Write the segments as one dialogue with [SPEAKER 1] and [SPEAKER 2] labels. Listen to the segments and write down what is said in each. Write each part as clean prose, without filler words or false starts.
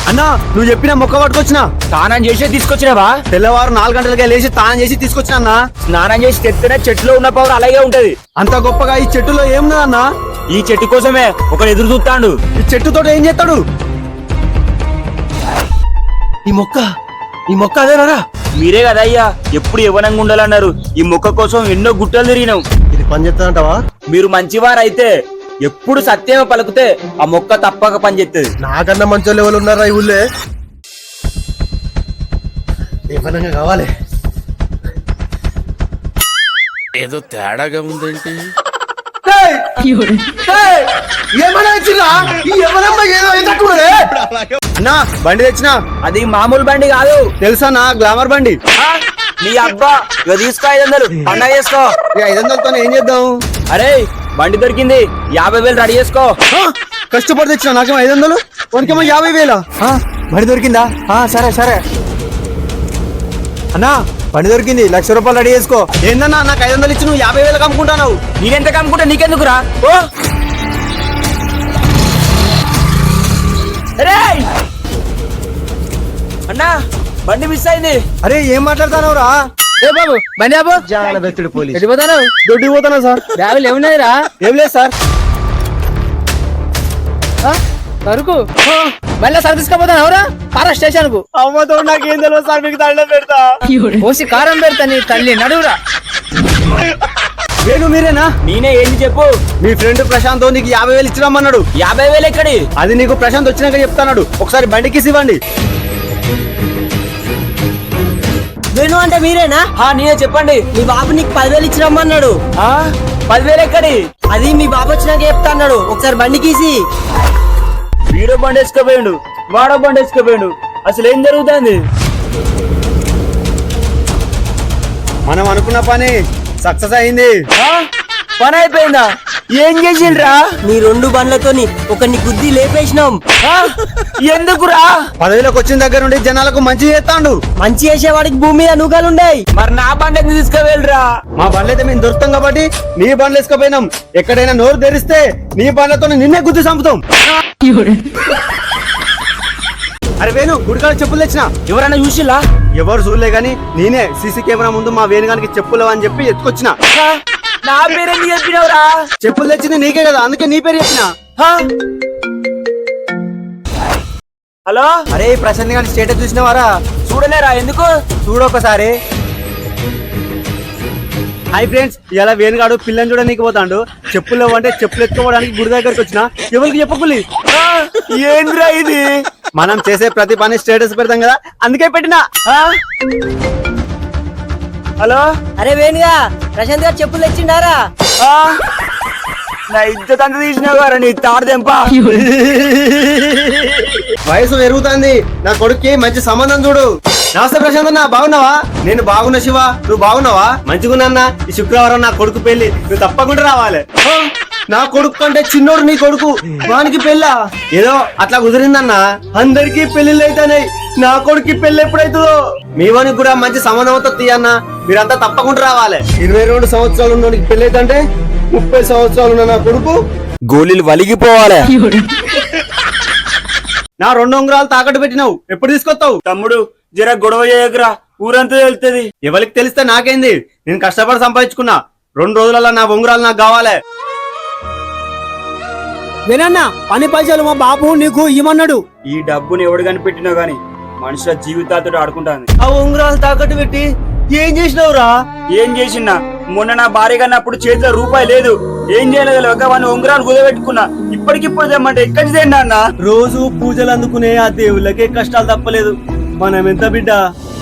[SPEAKER 1] అన్నా నువ్వు చెప్పిన మొక్క పట్టుకొచ్చినా.
[SPEAKER 2] స్నానం చేసే తీసుకొచ్చినావా?
[SPEAKER 1] తెల్లవారు 4 గంటలకే లేచి తానం చేసి తీసుకొచ్చినా అన్నా.
[SPEAKER 2] స్నానం చేసి తెత్తేనే చెట్టులో ఉన్న పవర్ అలాగే ఉంటది.
[SPEAKER 1] అంత గొప్పగా ఈ చెట్టులో ఏమున్నదన్నా?
[SPEAKER 2] ఈ చెట్టు కోసమే ఒకడు ఎదురు చూస్తాడు.
[SPEAKER 1] ఈ చెట్టుతో ఏం చేస్తాడు? ఈ మొక్క అదేనారా?
[SPEAKER 2] మీరే కదా అయ్యా ఎప్పుడు యవ్వనంగా ఉండాలన్నారు. ఈ మొక్క కోసం ఎన్నో గుట్టలు తిరిగినాం.
[SPEAKER 1] ఇది పని చేస్తానంటావా?
[SPEAKER 2] మీరు మంచివారైతే ఎప్పుడు సత్యమే పలుకుతే ఆ మొక్క తప్పక పనిచేస్తుంది.
[SPEAKER 1] నాకన్నా మంచి లెవెల్ ఉన్నారా ఈ ఊళ్ళే? ఏ పనంగా కావాలి?
[SPEAKER 3] ఏదో తేడాగా ఉందేంటి?
[SPEAKER 1] అన్నా బండి తెచ్చినా.
[SPEAKER 2] అది మామూలు బండి కాదు
[SPEAKER 1] తెలుసా నా గ్లామర్ బండి.
[SPEAKER 2] నీ అబ్బా ఇక తీసుకో 500 పండగ చేసుకో.
[SPEAKER 1] 500తో ఏం చేద్దాం?
[SPEAKER 2] అరే బండి దొరికింది 50,000 రెడీ చేసుకో.
[SPEAKER 1] కష్టపడి తెచ్చినా నాకేమో 500, వానికేమో 50,000. బండి దొరికిందా? సరే సరే అన్నా బండి దొరికింది, 1,00,000 రూపాయలు రెడీ చేసుకో. ఏందన్నా నాకు 500 ఇచ్చి నువ్వు 50,000 అమ్ముకుంటావు?
[SPEAKER 2] నేనెంత కమ్ముకుంటా నీకెందుకురా? ఓ అన్నా బండి మిస్ అయింది.
[SPEAKER 1] అరే ఏం మాట్లాడతానవురా?
[SPEAKER 4] ఏ బాబు బండి బాబు
[SPEAKER 1] జాన వ్యక్తుడు పోలీస్.
[SPEAKER 4] వెళ్ళిపోతాను.
[SPEAKER 1] దొడ్డికి పోతానా సార్?
[SPEAKER 4] బ్యాగులు ఏమున్నాయిరా?
[SPEAKER 1] ఏం లేదు సార్.
[SPEAKER 4] సరుకు మళ్ళీ సరుకు తీసుకుపోతాను ఎవరా? పారా స్టేషన్ కు.
[SPEAKER 1] అమ్మతో నాకేం తెలియదు సార్, మీకు దండం పెడతా.
[SPEAKER 4] పోసి కారం పెడతా నీ తల్లి నడువురా.
[SPEAKER 1] వేణు మీరేనా?
[SPEAKER 2] నేనే ఏంటి చెప్పు.
[SPEAKER 1] మీ ఫ్రెండ్ ప్రశాంత్ నీకు 50,000 ఇచ్చిరమ్మన్నాడు.
[SPEAKER 2] 50,000 ఎక్కడి?
[SPEAKER 1] అది నీకు ప్రశాంత్ వచ్చినాక చెప్తాడు. ఒకసారి బండికి ఇవ్వండి.
[SPEAKER 5] వేణు అంటే మీరేనా?
[SPEAKER 2] నేనే చెప్పండి.
[SPEAKER 5] మీ బాబు నీకు 10,000 ఇచ్చిరమ్మన్నాడు.
[SPEAKER 2] 10,000 ఎక్కడి?
[SPEAKER 5] అది మీ బాబు వచ్చినాక చెప్తా అన్నాడు. ఒకసారి బండికిసి.
[SPEAKER 2] వీడో బండి వేసుకుపోయాడు, వాడో బండి వేసుకుపోయాడు. అసలు ఏం జరుగుతుంది?
[SPEAKER 1] మనం అనుకున్న పని సక్సెస్ అయింది.
[SPEAKER 2] పని అయిపోయిందా? ఏం చేసిండ్రా?
[SPEAKER 5] నీ 2 బండ్లతోని ఒకరిని గుద్ది లేపేసినాం.
[SPEAKER 2] ఎందుకురా?
[SPEAKER 1] పదవిలోకి వచ్చిన దగ్గర నుండి జనాలకు మంచి చేస్తాడు.
[SPEAKER 5] మంచి చేసేవాడికి భూమి మీద అనుగాలుండాయి.
[SPEAKER 2] మరి నా బండి ఎందుకు తీసుకువెళ్ళరా?
[SPEAKER 1] మా బండ్లు అయితే మేము దొరుకుతాం కాబట్టి నీ బండ్లు వేసుకుపోయినాం. ఎక్కడైనా నోరు తెరిస్తే నీ బండ్లతో నిన్నే గుద్ది చంపుతాం. అరే వేణు గుడికాడ చెప్పులు తెచ్చిన.
[SPEAKER 2] ఎవరైనా చూసిలా?
[SPEAKER 1] ఎవరు చూడలే గాని నేనే సీసీ కెమెరా ముందు మా వేణుగానికి చెప్పులు అని చెప్పి ఎత్తుకొచ్చిన.
[SPEAKER 2] నా పేరెందుకు చెప్పినవరా?
[SPEAKER 1] చెప్పులు తెచ్చింది నీకే కదా, అందుకే నీ పేరు చెప్పిన.
[SPEAKER 2] హలో
[SPEAKER 1] అరే ప్రశాంత్ గారి స్టేటస్ చూసినవారా?
[SPEAKER 2] చూడలేరా? ఎందుకు?
[SPEAKER 1] చూడొకసారి. హాయ్ ఫ్రెండ్స్, ఇలా వేణుగాడు పిల్లని చూడడానికి పోతాడు. చెప్పులు అంటే చెప్పులు ఎత్తుకోవడానికి గుడి దగ్గరకు వచ్చిన. ఎవరికి చెప్పకులి.
[SPEAKER 2] ఏంద్రా ఇది?
[SPEAKER 1] మనం చేసే ప్రతి పని స్టేటస్ పెడతాం కదా, అందుకే పెట్టినా.
[SPEAKER 2] హలో
[SPEAKER 5] అరే వేణుగా ప్రశాంత్ గారు చెప్పులు తెచ్చిండారా?
[SPEAKER 2] నా ఇజ్జత్ అంతా తీసినావు గారా నీ తాడదెంప.
[SPEAKER 1] వయసు పెరుగుతుంది, నా కొడుక్కి మంచి సంబంధం చూడు. నమస్తే ప్రశాంత్ అన్న, బాగున్నావా? నేను బాగున్నా శివ, నువ్వు బాగున్నావా? మంచిగున్నా. ఈ శుక్రవారం నా కొడుకు పెళ్లి, నువ్వు తప్పకుండా రావాలి. నా కొడుకు కంటే చిన్నోడు నీ కొడుకు, వానికి పెళ్ళా? ఏదో అట్లా కుదిరిందన్నా. అందరికీ పెళ్లిళ్ళు అయితేనే, నా కొడుకు పెళ్లి ఎప్పుడైతుందో. మీ వానికి కూడా మంచి సంబంధం అవుతుంది అన్న, మీరంతా తప్పకుండా రావాలి. 22 సంవత్సరాలు ఉన్నోడికి పెళ్లి అయితే 30 సంవత్సరాలు ఉన్న నా కొడుకు
[SPEAKER 2] గోళీలు వలిగిపోవాలి.
[SPEAKER 1] నా 2 ఉంగరాలు తాకట్టు పెట్టినావు, ఎప్పుడు తీసుకొస్తావు?
[SPEAKER 2] తమ్ముడు జర గొడవ చేయకురా, ఊరంతా వెళ్తుంది.
[SPEAKER 1] ఎవరికి తెలిస్తే నాకేంది? నేను కష్టపడి సంపాదించుకున్నా. 2 రోజులలో నా ఉంగరాలు నాకు కావాలి.
[SPEAKER 4] వినన్నా పని పైసలు మా బాబు నీకు ఇవ్వమన్నాడు.
[SPEAKER 2] ఈ డబ్బుని ఎవడు కనిపెట్టినా గాని మనుషుల జీవితాలతో ఆడుకుంటాను.
[SPEAKER 1] ఆ ఉంగరాలు తాకట్టు పెట్టి ఏం చేసినావురా?
[SPEAKER 2] ఏం చేసినా? మొన్న నా భార్య కన్నప్పుడు చేతిలో రూపాయి లేదు, ఏం చేయలేక వాడిని ఉంగరాలు కుదబెట్టుకున్నా. ఇప్పటికిప్పుడు తెమ్మంటే ఎక్కడి తేండి అన్న?
[SPEAKER 1] రోజు పూజలు అందుకునే ఆ దేవుళ్ళకే కష్టాలు తప్పలేదు, మనం ఎంత బిడ్డ.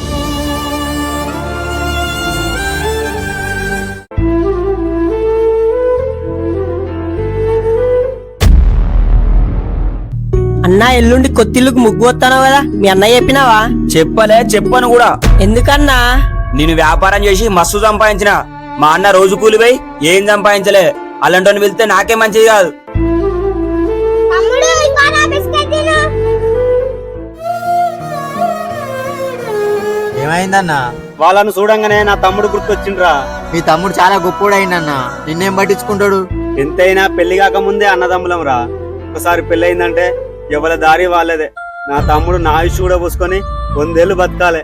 [SPEAKER 5] అన్నా ఎల్లుండి కొత్తిల్లుకు ముగ్గు వస్తాను కదా, మీ అన్నయ్య చెప్పినావా?
[SPEAKER 2] చెప్పను కూడా.
[SPEAKER 5] ఎందుకన్నా?
[SPEAKER 2] నేను వ్యాపారం చేసి మస్తు సంపాదించిన. మా అన్న రోజు కూలిపోయి ఏం సంపాదించలే. అలాంటి వెళ్తే నాకే మంచిది కాదు.
[SPEAKER 6] ఏమైందన్నా?
[SPEAKER 1] వాళ్ళను చూడంగానే నా తమ్ముడు గుర్తొచ్చిండ్రా.
[SPEAKER 6] మీ తమ్ముడు చాలా గొప్పోడైందన్నా, నిన్నేం పట్టించుకుంటాడు?
[SPEAKER 1] ఎంతైనా పెళ్లి కాక ముందే అన్నదమ్ములం రా. ఒకసారి పెళ్ళయిందంటే ఎవరి దారి వాళ్ళదే. నా తమ్ముడు నా ఆయుష్ కూడా పోసుకొని 100 ఏళ్ళు బతకాలి.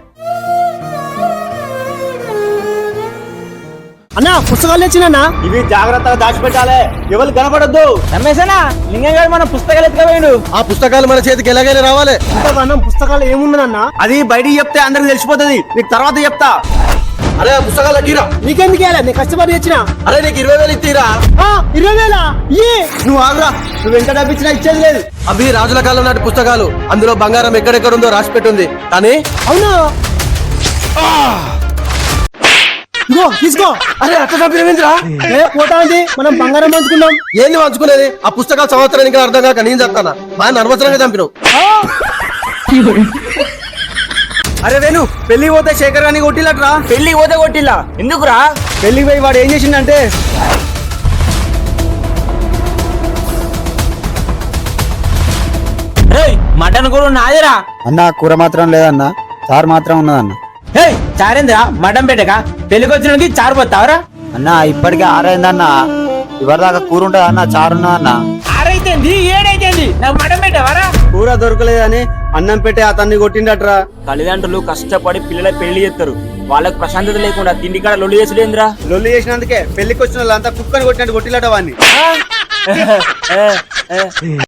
[SPEAKER 4] అన్న పుస్తకాలు తెచ్చినా
[SPEAKER 1] ఇవి జాగ్రత్తగా దాచిపెట్టాలి, ఎవరు కనపడద్దు.
[SPEAKER 4] రమేశనా లింగం గారు మన పుస్తకాలు ఎత్తుకపోయిండు.
[SPEAKER 1] ఆ పుస్తకాలు మన చేతికి ఎలాగైనా రావాలి.
[SPEAKER 4] అన్న పుస్తకాలు ఏమున్నదన్న?
[SPEAKER 1] అది బయటికి చెప్తే అందరికి తెలిసిపోతుంది, నీకు తర్వాత చెప్తా. అరే ఆ పుస్తకాలు తీరా.
[SPEAKER 4] నీకెందుకు నేను కష్టపడి తెచ్చిన.
[SPEAKER 1] అరే నీకు 20,000 ఇస్తీరా.
[SPEAKER 4] 20,000
[SPEAKER 1] నువ్వు ఆగురా, నువ్వు ఎంత డబ్బిచ్చినా ఇచ్చేది లేదు. అవి రాజుల కాలం నాటి పుస్తకాలు, అందులో బంగారం ఎక్కడెక్కడ ఉందో రాసి పెట్టుంది. కానీ
[SPEAKER 4] అవునా? ఇగో తీసుకో.
[SPEAKER 1] అరే అట్లా చంపినవేంద్రా?
[SPEAKER 4] పోతా ఉంది, మనం బంగారం పంచుకున్నాం.
[SPEAKER 1] ఏంది పంచుకునేది? ఆ పుస్తకాలు సంవత్సరానికి అర్థం కాక నేను చెప్తానా? బాగా అనవసరంగా చంపినావు. అరే వేణు, పెళ్లి పోతే శేఖర్ అని కొట్టిల్లట్రా.
[SPEAKER 2] పెళ్లికి పోతే కొట్టిల్లా ఎందుకురా?
[SPEAKER 1] పెళ్లికి పోయి వాడు ఏం చేసిండంటే
[SPEAKER 4] మటన్ కూడా నాదేరా.
[SPEAKER 6] అన్న కూర మాత్రం లేదన్న, చారు మాత్రం ఉన్నదన్న.
[SPEAKER 4] చారేంద్రా మటన్ పెట్టక పెళ్లికి వచ్చిన చారు పోతావరా?
[SPEAKER 6] అన్న ఇప్పటికే 6 అయిందన్న, ఇవరిదాకా కూర ఉంటది అన్న, చారు ఉన్నదన్న.
[SPEAKER 4] 6 అయితేంది 7 అయితేంది, నాకు మటన్ పెట్టావరా?
[SPEAKER 1] కూర దొరకలేదని అన్నం పెట్టి అతన్ని కొట్టిండట్రా.
[SPEAKER 2] తల్లిదండ్రులు కష్టపడి పిల్లల పెళ్లి చేస్తారు, వాళ్ళకి ప్రశాంతత లేకుండా తిండి కాడ లొల్లి చేసుడేంద్రా?
[SPEAKER 1] లొల్లి చేసినందుకే పెళ్లికి వచ్చిన వాళ్ళంతా కుక్కని కొట్టినట్టు కొట్టిల్లట వాడిని.